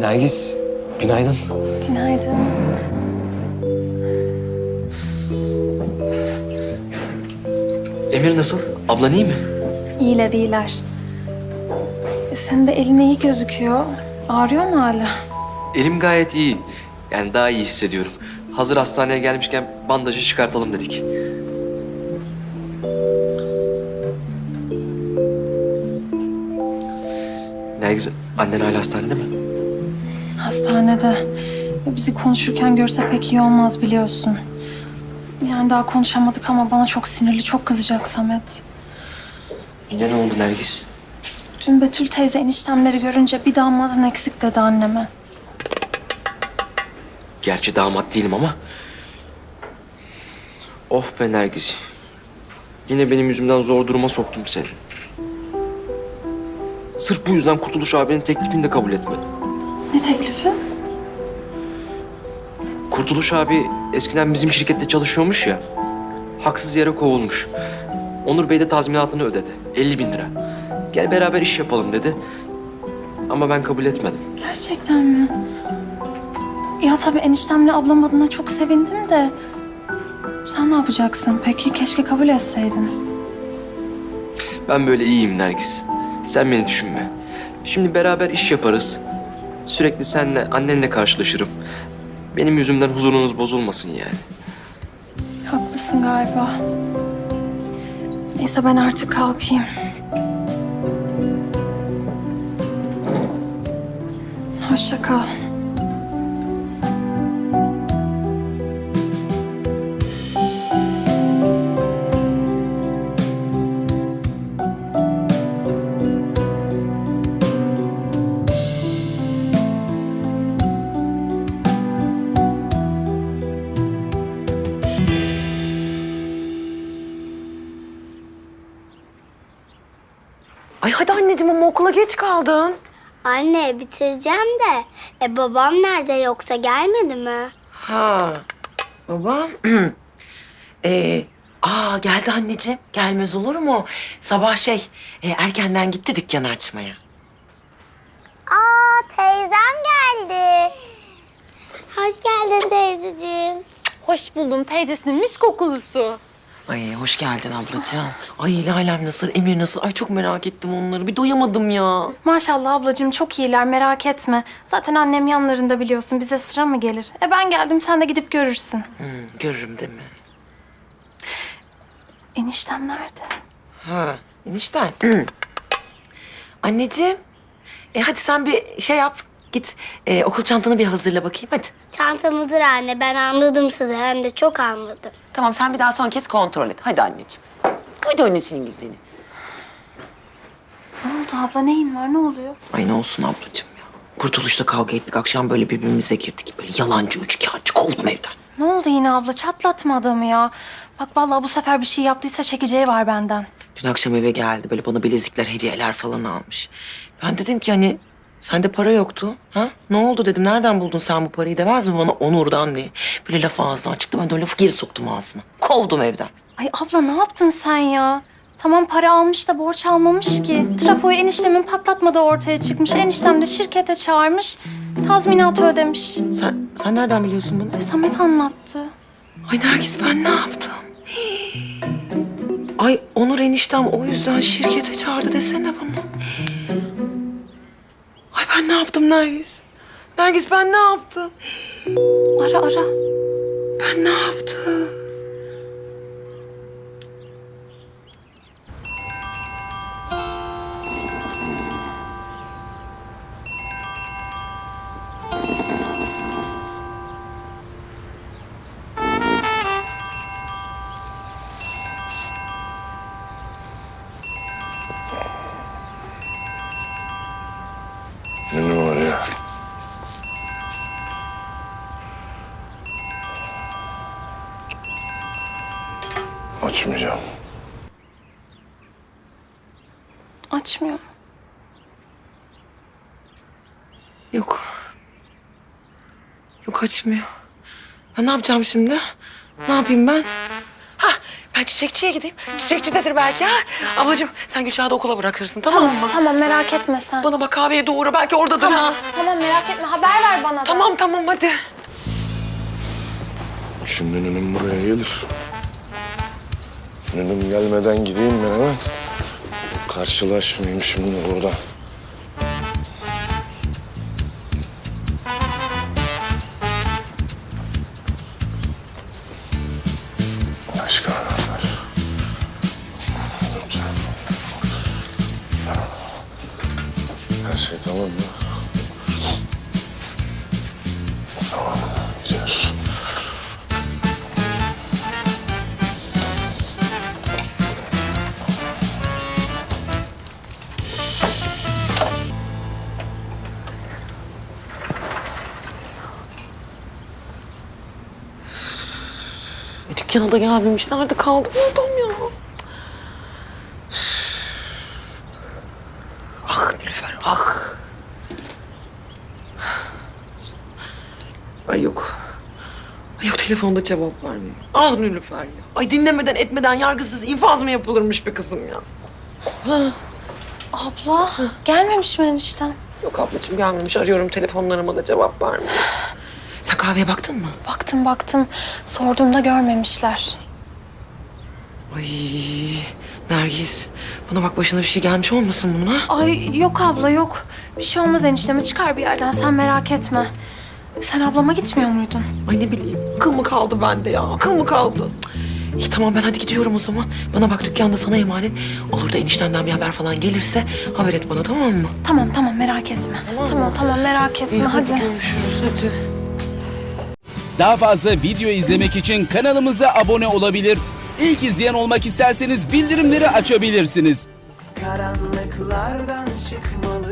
Nergis, günaydın. Günaydın. Emir nasıl? Ablan iyi mi? İyiler, iyiler. Senin de elin iyi gözüküyor. Ağrıyor mu hala? Elim gayet iyi. Yani daha iyi hissediyorum. Hazır hastaneye gelmişken bandajı çıkartalım dedik. Nergis, annen hala hastanede mi? Hastanede. Bizi konuşurken görse pek iyi olmaz biliyorsun. Yani daha konuşamadık ama bana çok sinirli, çok kızacak Samet. Yine ne oldu Nergis? Dün Betül teyze eniştemleri görünce bir damadın eksik dedi anneme. Gerçi damat değilim ama. Of be Nergis. Yine benim yüzümden zor duruma soktum seni. Sırf bu yüzden Kurtuluş abinin teklifini de kabul etmedim. Ne teklifi? Kurtuluş abi eskiden bizim şirkette çalışıyormuş ya. Haksız yere kovulmuş. Onur Bey de tazminatını ödedi. 50.000 lira. Gel beraber iş yapalım dedi. Ama ben kabul etmedim. Gerçekten mi? Ya tabii eniştemle ablam adına çok sevindim de... Sen ne yapacaksın peki? Keşke kabul etseydin. Ben böyle iyiyim Nergis. Sen beni düşünme. Şimdi beraber iş yaparız. Sürekli senle, annenle karşılaşırım. Benim yüzümden huzurunuz bozulmasın yani. Haklısın galiba. Neyse ben artık kalkayım. Hoşça kal. Ay hadi anneciğim ama okula geç kaldın. Anne bitireceğim de. Babam nerede yoksa gelmedi mi? Ha babam. Geldi anneciğim. Gelmez olur mu? Sabah erkenden gitti dükkanı açmaya. Aa teyzem geldi. Hoş geldin teyzeciğim. Hoş buldum teyzesinin mis kokulusu. Ay hoş geldin ablacığım. Ay Lalem nasıl, Emir nasıl? Ay çok merak ettim onları. Bir doyamadım ya. Maşallah ablacığım çok iyiler merak etme. Zaten annem yanlarında biliyorsun bize sıra mı gelir? Ben geldim sen de gidip görürsün. Görürüm değil mi? Eniştem nerede? Ha enişten. Anneciğim. Hadi sen bir şey yap. Git okul çantanı bir hazırla bakayım hadi. Çantam hazır anne. Ben anladım sizi. Hem de çok anladım. Tamam sen bir daha son kez kontrol et. Hadi anneciğim. Hadi annesinin güzeli. Ne oldu abla neyin var ne oluyor? Ay ne olsun ablacığım ya. Kurtuluşta kavga ettik. Akşam böyle birbirimize girdik. Böyle yalancı, üçkağıtçı kovdum evden. Ne oldu yine abla çatlatma adamı ya. Bak vallahi bu sefer bir şey yaptıysa çekeceği var benden. Dün akşam eve geldi. Böyle bana bilezikler, hediyeler falan almış. Ben dedim ki hani sende para yoktu. Ha? Ne oldu dedim. Nereden buldun sen bu parayı demez mi bana Onur'dan diye. Böyle laf ağzından çıktı. Ben de o lafı geri soktum ağzına. Kovdum evden. Ay abla ne yaptın sen ya? Tamam para almış da borç almamış ki. Trafoyu eniştemin patlatmadığı ortaya çıkmış. Eniştem de şirkete çağırmış. Tazminatı ödemiş. Sen nereden biliyorsun bunu? Samet anlattı. Ay Nergis ben ne yaptım? Ay Onur eniştem o yüzden şirkete çağırdı desene bunu. Ay ben ne yaptım Nergis? Nergis ben ne yaptım? Ara ara. Ben ne yaptım? Ne numara ya? Açmayacağım. Açmıyor. Yok. Yok açmıyor. Ben ne yapacağım şimdi? Ne yapayım ben? Ben çiçekçiye gideyim. Çiçekçidedir belki ha. Ablacığım sen Gülşah'ı da okula bırakırsın tamam mı? Tamam merak etme sen. Bana bak kahveye doğru belki oradadır ha. Tamam merak etme haber ver bana da. Tamam hadi. Şimdi nünüm buraya gelir. Nünüm gelmeden gideyim ben hemen. Karşılaşmayayım şimdi burada. Başka anahtar. Lütfen. Her şey tamam mı? Tamam, gidiyoruz. Dükkana da gelmemiş. Nerede kaldı bu adam ya? Ah Nilüfer, ah. Ay yok. Ay yok telefonda cevap vermiyor. Ah Nilüfer ya. Ay dinlemeden etmeden yargısız infaz mı yapılırmış be kızım ya? Abla gelmemiş mi enişten? Yok ablacığım gelmemiş. Arıyorum telefonlarıma da cevap vermiyor. Sen kahveye baktın mı? Baktım. Sorduğumda görmemişler. Ay Nergis. Bana bak başına bir şey gelmiş olmasın bunun ha? Ay yok abla yok. Bir şey olmaz enişteme çıkar bir yerden sen merak etme. Sen ablama gitmiyor muydun? Ay ne bileyim. Akıl mı kaldı bende ya? Akıl mı kaldı? İyi tamam ben hadi gidiyorum o zaman. Bana bak dükkanda sana emanet. Olur da eniştenden bir haber falan gelirse haber et bana tamam mı? Tamam merak etme. Tamam merak etme İyi, hadi. Görüşürüz hadi. Daha fazla video izlemek için kanalımıza abone olabilir. İlk izleyen olmak isterseniz bildirimleri açabilirsiniz. Karanlıklardan çıkmalı